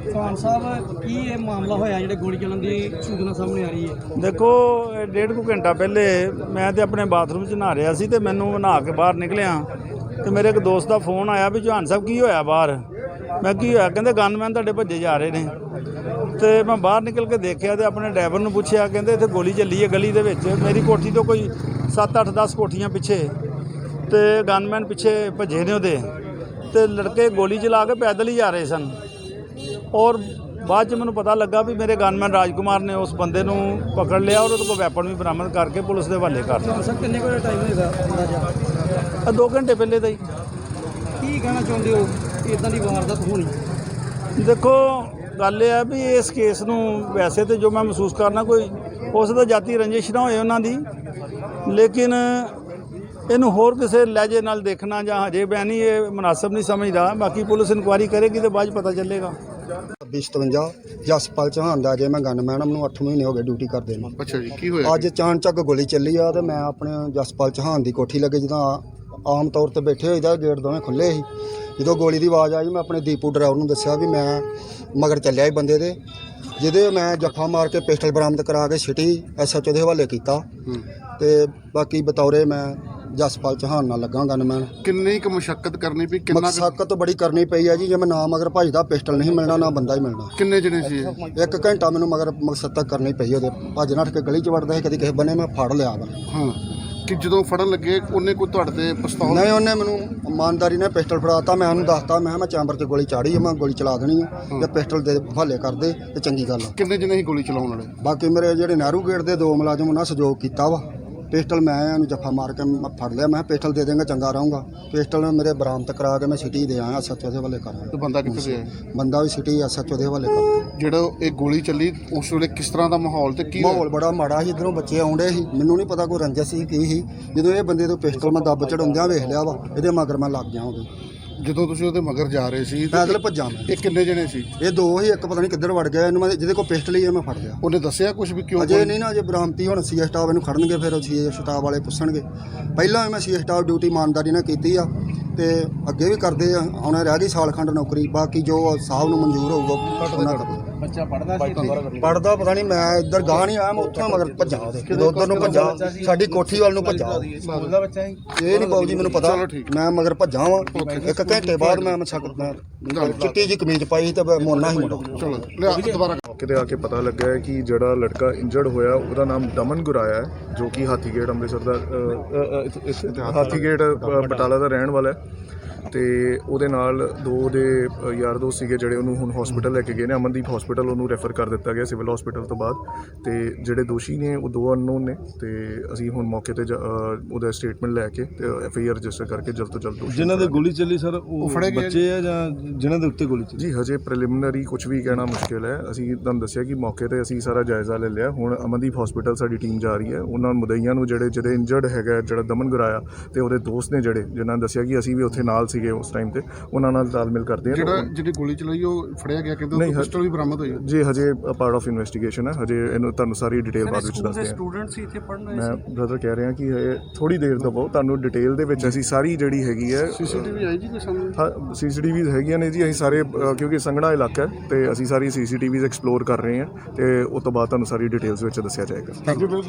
चौहान साहब की ये मामला होया जिहड़े गोली चलन की सूचना सामने आ रही है? देखो 1.5 घंटा पहले मैं तो अपने बाथरूम 'ਚ नहा रहा सी ते मैनू नहा के बाहर निकलिया तो मेरे एक दोस्त का फोन आया भी चौहान साहब की होया बाहर। मैं की होया कहते गनमैन तुहाडे भज्जे जा रहे ने तो मैं बाहर निकल के देखा तो अपने ड्राइवर नूं पुछया कहते इत्थे गोली चली है गली दे विच। मेरी कोठी तो कोई 7-8-10 कोठियां पिछे तो गनमैन पिछे भज्जे ने उहदे ते लड़के गोली चला के पैदल ही जा रहे सन। और बाद च मैनूं पता लगा भी मेरे गनमैन राजकुमार ने उस बंदे नूं पकड़ लिया और उसको वैपन भी बरामद करके पुलिस के हवाले कर दिया। सर किन्ने को टाइम होगा? 2 घंटे पहले का ही। की कहना चाहते हो इदां दी वारदात होनी? देखो गल यह है भी इस केस नूं वैसे तो जो मैं महसूस करना कोई हो सकदा जाती रंजिश ना होए उन्हां दी, लेकिन इनू होर किसी लहजे नाल देखना ਜਾਂ हजे मैं नहीं ये मुनासिब नहीं समझदा। बाकी पुलिस इंक्वायरी करेगी तो बाद पता चलेगा। 2057 ਜਸਪਾਲ ਚੌਹਾਨ ਦਾ ਜੇ ਮੈਂ ਗਨਮੈਨ ਮੈਨੂੰ 8 ਮਹੀਨੇ ਹੋ ਗਏ ਡਿਊਟੀ ਕਰਦੇ ਨੂੰ। ਅੱਛਾ ਜੀ, ਕੀ ਹੋਇਆ? ਅੱਜ ਚਾਣਚੱਕ ਗੋਲੀ ਚੱਲੀ ਆ ਤੇ ਮੈਂ ਆਪਣੇ ਜਸਪਾਲ ਚੌਹਾਨ ਦੀ ਕੋਠੀ ਲੱਗੇ ਜਦੋਂ ਆਮ ਤੌਰ ਤੇ ਬੈਠੇ ਹੋਈਦਾ ਗੇਟ ਦੋਵੇਂ ਖੁੱਲੇ ਸੀ। ਜਦੋਂ ਗੋਲੀ ਦੀ ਆਵਾਜ਼ ਆਈ ਮੈਂ ਆਪਣੇ ਦੀਪੂ ਡਰਾਈਵਰ ਨੂੰ ਦੱਸਿਆ ਵੀ ਮੈਂ ਮਗਰ ਚੱਲਿਆ ਸੀ ਬੰਦੇ ਦੇ, ਜਿਹਦੇ ਮੈਂ ਜੱਫਾ ਮਾਰ ਕੇ ਪਿਸਟਲ ਬਰਾਮਦ ਕਰਾ ਕੇ ਸਿਟੀ SHO ਦੇ ਹਵਾਲੇ ਕੀਤਾ ਤੇ ਬਾਕੀ ਬਤੌਰੇ ਮੈਂ ਜਸਪਾਲ ਚੌਹਾਨ ਨਾਲ ਲੱਗਾ ਗਨਮੈਨ। ਕਿੰਨੀ ਕੁ ਮੁਸ਼ੱਕਤ ਕਰਨੀ ਪਈ? ਕਿੰਨਾ ਮਸ਼ੱਕਤ ਬੜੀ ਕਰਨੀ ਪਈ ਆ ਜੀ। ਜੇ ਮੈਂ ਨਾ ਮਗਰ ਭੱਜਦਾ ਪਿਸਟਲ ਨਹੀਂ ਮਿਲਣਾ ਨਾ ਬੰਦਾ ਹੀ ਮਿਲਣਾ। ਕਿੰਨੇ ਜਣੇ ਸੀ ਇਹ? 1 ਘੰਟਾ ਮੈਨੂੰ ਮਗਰ ਮਕਸਦ ਤੱਕ ਕਰਨੀ ਪਈ ਉਹਦੇ। ਭੱਜ ਨੱਠ ਕੇ ਗਲੀ 'ਚ ਵੜਦਾ ਸੀ, ਕਦੀ ਕਿਸੇ ਬੰਨੇ ਮੈਂ ਫੜ ਲਿਆ ਵਾ। ਹਾਂ, ਕਿ ਜਦੋਂ ਫੜਨ ਲੱਗੇ ਉਹਨੇ ਕੋਈ ਤੁਹਾਡੇ ਤੇ ਪਿਸਤੌਲ? ਨਹੀਂ, ਉਹਨੇ ਮੈਨੂੰ ਇਮਾਨਦਾਰੀ ਨਾਲ ਪਿਸਟਲ ਫੜਾਤਾ। ਮੈਂ ਉਹਨੂੰ ਦੱਸਤਾ ਮੈਂ ਚੈਂਬਰ 'ਚ ਗੋਲੀ ਚਾੜੀ ਆ, ਮੈਂ ਗੋਲੀ ਚਲਾ ਦੇਣੀ ਆ ਜੇ ਪਿਸਟਲ ਦੇ ਹਵਾਲੇ ਕਰਦੇ ਤੇ ਚੰਗੀ ਗੱਲ ਆ। ਕਿੰਨੇ ਜਣੇ ਸੀ ਗੋਲੀ ਚਲਾਉਣ ਵਾਲੇ? ਬਾਕੀ ਮੇਰੇ ਜਿਹੜੇ ਨਹਿਰੂ ਗੇਟ ਦੇ 2 ਮੁਲਾਜ਼ਮ ਉਹਨਾਂ ਸਹਿਯੋਗ ਕੀਤਾ ਵਾ। ਪਿਸਟਲ ਮੈਂ ਉਹਨੂੰ ਜੱਫਾ ਮਾਰ ਕੇ ਫੜ ਲਿਆ। ਮੈਂ ਪਿਸਟਲ ਦੇ ਦੇਂਗਾ ਚੰਗਾ ਰਹੂੰਗਾ। ਪਿਸਟਲ ਮੇਰੇ ਬਰਾਮਦ ਕਰਾ ਕੇ ਮੈਂ ਸਿਟੀ ਦੇ ਆਇਆ SHO ਦੇ ਹਵਾਲੇ ਕਰਾਂ। ਤੇ ਬੰਦਾ ਕਿੱਥੇ ਗਿਆ? ਬੰਦਾ ਵੀ ਸਿਟੀ SHO ਦੇ ਹਵਾਲੇ ਕਰ। ਜਿਹੜਾ ਇਹ ਗੋਲੀ ਚੱਲੀ ਉਸ ਵੇਲੇ ਕਿਸ ਤਰ੍ਹਾਂ ਦਾ ਮਾਹੌਲ ਤੇ ਕੀ ਮਾਹੌਲ ਬੜਾ ਮਾੜਾ ਸੀ। ਇੱਧਰੋਂ ਬੱਚੇ ਆਉਂਦੇ ਸੀ, ਮੈਨੂੰ ਨਹੀਂ ਪਤਾ ਕੋਈ ਰੰਜਿਸ਼ ਸੀ ਕੀ ਸੀ। ਜਦੋਂ ਇਹ ਬੰਦੇ ਤੋਂ ਪਿਸਟਲ ਮੈਂ ਦੱਬ ਚੜਾਉਂਦਿਆਂ ਵੇਖ ਲਿਆ ਵਾ, ਇਹਦੇ ਮਗਰ ਮੈਂ ਲੱਗ ਗਿਆ ਉਹਦੇ। ਜਦੋਂ ਤੁਸੀਂ ਉਹਦੇ ਮਗਰ ਜਾ ਰਹੇ ਸੀ ਪੈਦਲ ਭੱਜਾਂ ਮੈਂ। ਇਹ ਕਿੰਨੇ ਜਣੇ ਸੀ? ਇਹ 2 ਹੀ, ਇੱਕ ਪਤਾ ਨਹੀਂ ਕਿੱਧਰ ਵੜ ਗਿਆ। ਇਹਨੂੰ ਮੈਂ ਜਿਹਦੇ ਕੋਲ ਪਿਸਟਲ ਹੀ ਮੈਂ ਫੜ ਲਿਆ। ਉਹਨੇ ਦੱਸਿਆ ਕੁਝ ਵੀ ਕਿਉਂ? ਅਜੇ ਨਹੀਂ ਨਾ, ਅਜੇ ਬਰਾਮਤੀ ਹੁਣ CS ਸਟਾਫ ਇਹਨੂੰ ਖੜਨਗੇ, ਫਿਰ CS ਸਟਾਫ ਵਾਲੇ ਪੁੱਛਣਗੇ। ਪਹਿਲਾਂ ਵੀ ਮੈਂ CS ਸਟਾਫ ਡਿਊਟੀ ਇਮਾਨਦਾਰੀ ਨਾਲ ਕੀਤੀ ਆ ਤੇ ਅੱਗੇ ਵੀ ਕਰਦੇ ਆ। ਹੁਣ ਰਹਿ ਗਈ ਸਾਲ ਖੰਡ ਨੌਕਰੀ, ਬਾਕੀ ਜੋ ਸਾਹਿਬ ਨੂੰ ਮਨਜ਼ੂਰ ਹੋਊਗਾ ਉਹਨਾਂ ਦਾ। ਬੱਚਾ ਪੜਦਾ ਸੀ? ਪੜਦਾ ਪਤਾ ਨਹੀਂ, ਮੈਂ ਇੱਧਰ ਗਾਹ ਨਹੀਂ ਆਇਆ, ਮੈਂ ਉੱਥੋਂ ਮਗਰ ਭੱਜਾ ਉਹਦੇ। ਜਦੋਂ ਉੱਧਰ ਨੂੰ ਭੱਜਾ ਸਾਡੀ ਕੋਠੀ ਵੱਲ ਨੂੰ ਭੱਜਾ। ਸਕੂਲ ਦਾ ਬੱਚਾ ਸੀ? ਇਹ ਨਹੀਂ ਬਾਊ ਜੀ ਮੈਨੂੰ ਪਤਾ, ਮੈਂ ਮਗਰ ਭੱਜਾ ਵਾਂ। 1 ਘੰਟੇ ਬਾਅਦ ਮੈਂ ਚਿੱਟੀ ਜੀ ਕਮੀਜ਼ ਪਾਈ ਤੇ ਮੋਨਾ ਹੀ ਮੁੰਡਾ। ਚਲੋ ਲਿਆ ਦੁਬਾਰਾ। ਕਿਤੇ ਆ ਕੇ ਪਤਾ ਲੱਗਾ ਹੈ ਕਿ ਜਿਹੜਾ ਲੜਕਾ ਇੰਜਰਡ ਹੋਇਆ ਉਹਦਾ ਨਾਮ ਦਮਨ ਗੁਰਾਇਆ ਹੈ, ਜੋ ਕਿ ਹਾਥੀਗੇਟ ਅੰਮ੍ਰਿਤਸਰ ਦਾ ਹਾਥੀਗੇਟ ਬਟਾਲਾ ਦਾ ਰਹਿਣ ਵਾਲਾ ਹੈ। ਤੇ ਉਹਦੇ ਨਾਲ 2 ਦੇ ਯਾਰ ਦੋਸਤ ਸੀਗੇ ਜਿਹੜੇ ਉਹਨੂੰ ਹੁਣ ਹਸਪੀਟਲ ਲੈ ਕੇ ਗਏ ਨੇ। ਅਮਨਦੀਪ ਹਸਪੀਟਲ ਉਹਨੂੰ ਰੈਫਰ ਕਰ ਦਿੱਤਾ ਗਿਆ ਸਿਵਲ ਹਸਪੀਟਲ ਤੋਂ ਬਾਅਦ। ਤੇ ਜਿਹੜੇ ਦੋਸ਼ੀ ਨੇ ਉਹ 2 ਅਨਨੋਨ ਨੇ ਤੇ ਅਸੀਂ ਹੁਣ ਮੌਕੇ ਤੇ ਉਹਦਾ ਸਟੇਟਮੈਂਟ ਲੈ ਕੇ ਤੇ FIR ਰਜਿਸਟਰ ਕਰਕੇ ਜਲਦ ਤੋਂ ਜਲਦ ਜਿਨ੍ਹਾਂ ਦੇ ਗੋਲੀ ਚੱਲੀ ਸਰ ਉਹ ਫੜੇ ਗਏ ਬੱਚੇ ਆ ਜਾਂ ਜਿਨ੍ਹਾਂ ਦੇ ਉੱਤੇ ਗੋਲੀ ਚੱਲੀ? ਜੀ ਹਜੇ ਪ੍ਰੀਲਿਮਿਨਰੀ ਕੁਝ ਵੀ ਕਹਿਣਾ ਮੁਸ਼ਕਿਲ ਹੈ। ਅਸੀਂ ਤੁਹਾਨੂੰ ਦੱਸਿਆ ਕਿ ਮੌਕੇ ਤੇ ਅਸੀਂ ਸਾਰਾ ਜਾਇਜ਼ਾ ਲੈ ਲਿਆ। ਹੁਣ ਅਮਨਦੀਪ ਹਸਪੀਟਲ ਸਾਡੀ ਟੀਮ ਜਾ ਰਹੀ ਹੈ। ਉਹਨਾਂ ਮੁਦਈਆਂ ਨੂੰ ਜਿਹੜੇ ਇੰਜਰਡ ਹੈਗਾ ਜਿਹੜਾ ਦਮਨ ਗੁਰਾਇਆ ਤੇ ਉਹਦੇ ਦੋਸਤ ਨੇ ਜਿਨ੍ਹਾਂ ਨੇ ਦੱਸਿਆ ਕਿ ਅਸੀਂ ਵੀ ਉੱਥੇ ਨਾਲ ਸੀਗੇ ਉਸ ਟਾਈਮ ਤੇ, ਉਹਨਾਂ ਨਾਲ ਤਾਲਮੇਲ ਕਰਦੇ ਆ। ਜਿਹੜੀ ਗੋਲੀ ਚਲਾਈ ਉਹ ਫੜਿਆ ਗਿਆ, ਕਹਿੰਦੇ ਪਿਸਟਲ ਵੀ ਬਰਾਮਦ ਹੋਈ ਜੀ। ਹਜੇ ਪਾਰਟ ਆਫ ਇਨਵੈਸਟੀਗੇਸ਼ਨ ਹੈ। ਹਜੇ ਇਹਨੂੰ ਤੁਹਾਨੂੰ ਸਾਰੀ ਡਿਟੇਲ ਬਾਅਦ ਵਿੱਚ ਦੱਸਦੇ ਹਾਂ। ਸਟੂਡੈਂਟ ਸੀ ਇੱਥੇ ਪੜ੍ਹਨ ਆਏ ਸੀ? ਮੈਂ ਬ੍ਰਦਰ ਕਹਿ ਰਿਹਾ ਕਿ ਥੋੜੀ ਦੇਰ ਦਵੋ, ਤੁਹਾਨੂੰ ਡਿਟੇਲ ਦੇ ਵਿੱਚ ਅਸੀਂ ਸਾਰੀ ਜਿਹੜੀ ਹੈਗੀ ਹੈ। CCTV ਆਈ ਜੀ ਕੋਈ ਸਾਹਮਣੇ? ਹਾਂ, CCTVs ਹੈਗੀਆਂ ਨੇ ਜੀ। ਅਸੀਂ ਸਾਰੇ ਕਿਉਂਕਿ ਸੰਘਣਾ ਇਲਾਕਾ ਹੈ ਤੇ ਅਸੀਂ ਸਾਰੀ CCTVs ਐਕਸਪਲੋਰ ਕਰ ਰਹੇ ਹਾਂ ਤੇ ਉਸ ਤੋਂ ਬਾਅਦ ਤੁਹਾਨੂੰ ਸਾਰੀ ਡਿਟੇਲਸ ਵਿੱਚ ਦੱਸਿਆ ਜਾਏਗਾ।